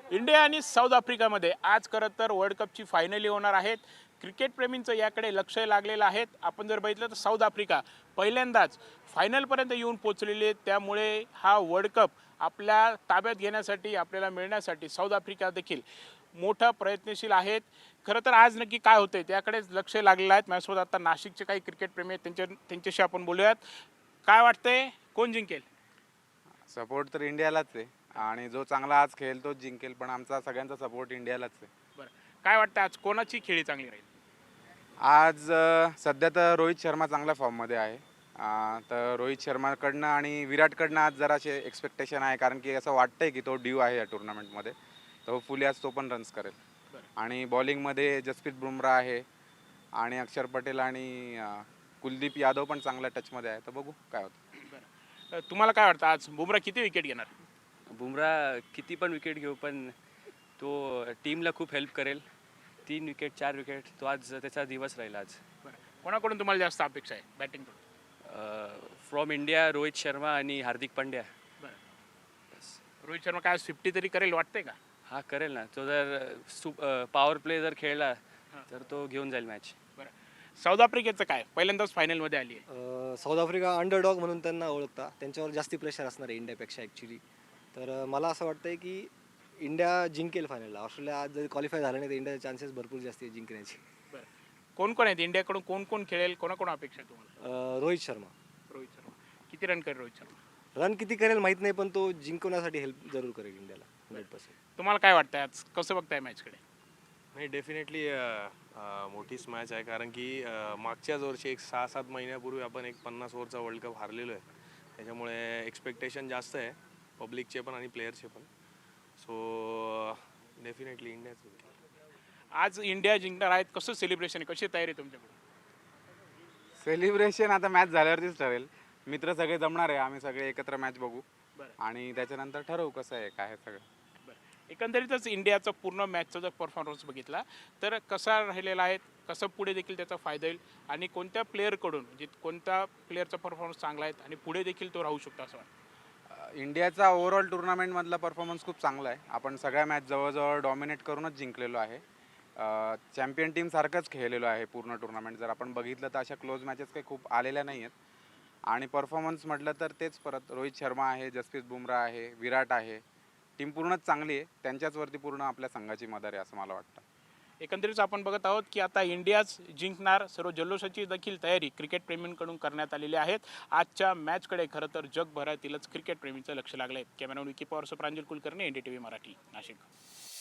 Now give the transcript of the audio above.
India आणि south आफ्रिकामध्ये आज खरं तर वर्ल्ड कपची फायनली होणार आहेत. क्रिकेट प्रेमींचं याकडे लक्ष लागलेलं आहे. आपण जर बघितलं तर साऊथ आफ्रिका पहिल्यांदाच फायनलपर्यंत येऊन पोचलेली आहे. त्यामुळे हा वर्ल्ड कप आपल्या ताब्यात घेण्यासाठी आपल्याला मिळण्यासाठी साऊथ आफ्रिका देखील मोठा प्रयत्नशील आहेत. खरं तर आज नक्की काय होतंय त्याकडेच लक्ष लागलेलं आहे. माझ्यासोबत आता नाशिकचे काही क्रिकेट प्रेमी आहेत, त्यांच्याशी आपण बोलूयात. काय वाटतंय, कोण जिंकेल? सपोर्ट तर इंडियालाच आहे आणि जो चांगला आज खेळेल तोच जिंकेल, पण आमचा सगळ्यांचा सपोर्ट इंडियालाच आहे. बरं, काय वाटतं आज कोणाची खेळी चांगली राहील? आज सध्या तर रोहित शर्मा चांगल्या फॉर्ममध्ये आहे. तर रोहित शर्माकडनं आणि विराटकडनं आज जरासे एक्सपेक्टेशन आहे, कारण की असं वाटतंय की तो ड्यू आहे या टुर्नामेंटमध्ये. तर होपफुली आज तो पण रन्स करेल. आणि बॉलिंगमध्ये जसप्रीत बुमराह आहे आणि अक्षर पटेल आणि कुलदीप यादव पण चांगल्या टचमध्ये आहे. तर बघू काय होतं. तुम्हाला काय वाटतं आज बुमराह किती विकेट घेणार? बुमराह किती पण विकेट घेऊ, पण तो टीमला खूप हेल्प करेल. 3 विकेट 4 विकेट तो आज त्याचा दिवस राहील आज. कोणाकडून तुम्हाला जास्त अपेक्षा आहे batting? From India Rohit Sharma आणि हार्दिक पांड्या. रोहित शर्मा काय 50 तरी करेल वाटतंय का? हा करेल ना, तो जर पॉवर प्ले जर खेळला तर तो घेऊन जाईल मॅच. साऊथ आफ्रिकेचं काय, पहिल्यांदाच फायनलमध्ये आली आहे. साऊथ आफ्रिका अंडरडॉग म्हणून त्यांना ओळखता, त्यांच्यावर जास्ती प्रेशर असणार आहे इंडियापेक्षा ॲक्च्युली. तर मला असं वाटतं आहे की इंडिया जिंकेल फायनलला. ऑस्ट्रेलिया आज जरी क्वालिफाय झालं नाही तर इंडियाचे चान्सेस भरपूर जास्त आहे जिंकण्याचे. कोण कोण आहेत इंडियाकडून, कोण कोण खेळेल, कोणाकोण अपेक्षा आहे तुम्हाला? रोहित शर्मा. रोहित शर्मा किती रन करेल? रोहित शर्मा रन किती करेल माहीत नाही, पण तो जिंकवण्यासाठी हेल्प जरूर करेल इंडियाला 100%. तुम्हाला काय वाटतं आज कसं बघताय मॅचकडे? नाही, डेफिनेटली मोठीच मॅच आहे, कारण की मागच्याच वर्षी एक 6-7 महिन्यापूर्वी आपण एक 50 ओव्हरचा वर्ल्ड कप हारलेलो आहे. त्याच्यामुळे एक्सपेक्टेशन जास्त आहे पब्लिकचे पण आणि प्लेयरचे पण. सो डेफिनेटली इंडियाच. आज इंडिया जिंकणार आहेत, कसं सेलिब्रेशन आहे, कशी तयारी तुमच्याकडे? सेलिब्रेशन आता मॅच झाल्यावरतीच ठरेल. मित्र सगळे जमणार आहे, आम्ही सगळे एकत्र मॅच बघू आणि त्याच्यानंतर ठरवू कसं आहे काय आहे सगळं. एकंदरीतच इंडियाचा पूर्ण मॅचचा जर परफॉर्मन्स बघितला तर कसा राहिलेला आहे, कसं पुढे देखील त्याचा फायदा होईल आणि कोणत्या प्लेअरकडून म्हणजे कोणत्या प्लेअरचा परफॉर्मन्स चांगला आहे आणि पुढे देखील तो राहू शकतो असं वाटतं? इंडियाचा ओव्हरऑल टुर्नामेंटमधला परफॉर्मन्स खूप चांगला आहे. आपण सगळ्या मॅच जवळजवळ डॉमिनेट करूनच जिंकलेलो आहे. चॅम्पियन टीमसारखंच खेळलेलो आहे पूर्ण टुर्नामेंट. जर आपण बघितलं तर अशा क्लोज मॅचेस काही खूप आलेल्या नाही आहेत. आणि परफॉर्मन्स म्हटलं तर तेच परत रोहित शर्मा आहे, जसप्रीत बुमराह आहे, विराट आहे. टीम पूर्णच चांगली आहे. त्यांच्याचवरती पूर्ण आपल्या संघाची मदर आहे असं मला वाटतं. एकंदरीत आपण बघत आहोत की आता इंडियाच जिंकणार, सर्व जल्लोषाची देखील तयारी क्रिकेट प्रेमींकडून करण्यात आलेली आहेत. आजच्या मॅचकडे खरं तर जगभरातीलच क्रिकेट प्रेमींचं लक्ष लागलं आहे. Cameraman Vicky Pawar, Pranjal Kulkarni, NDTV Marathi, Nashik.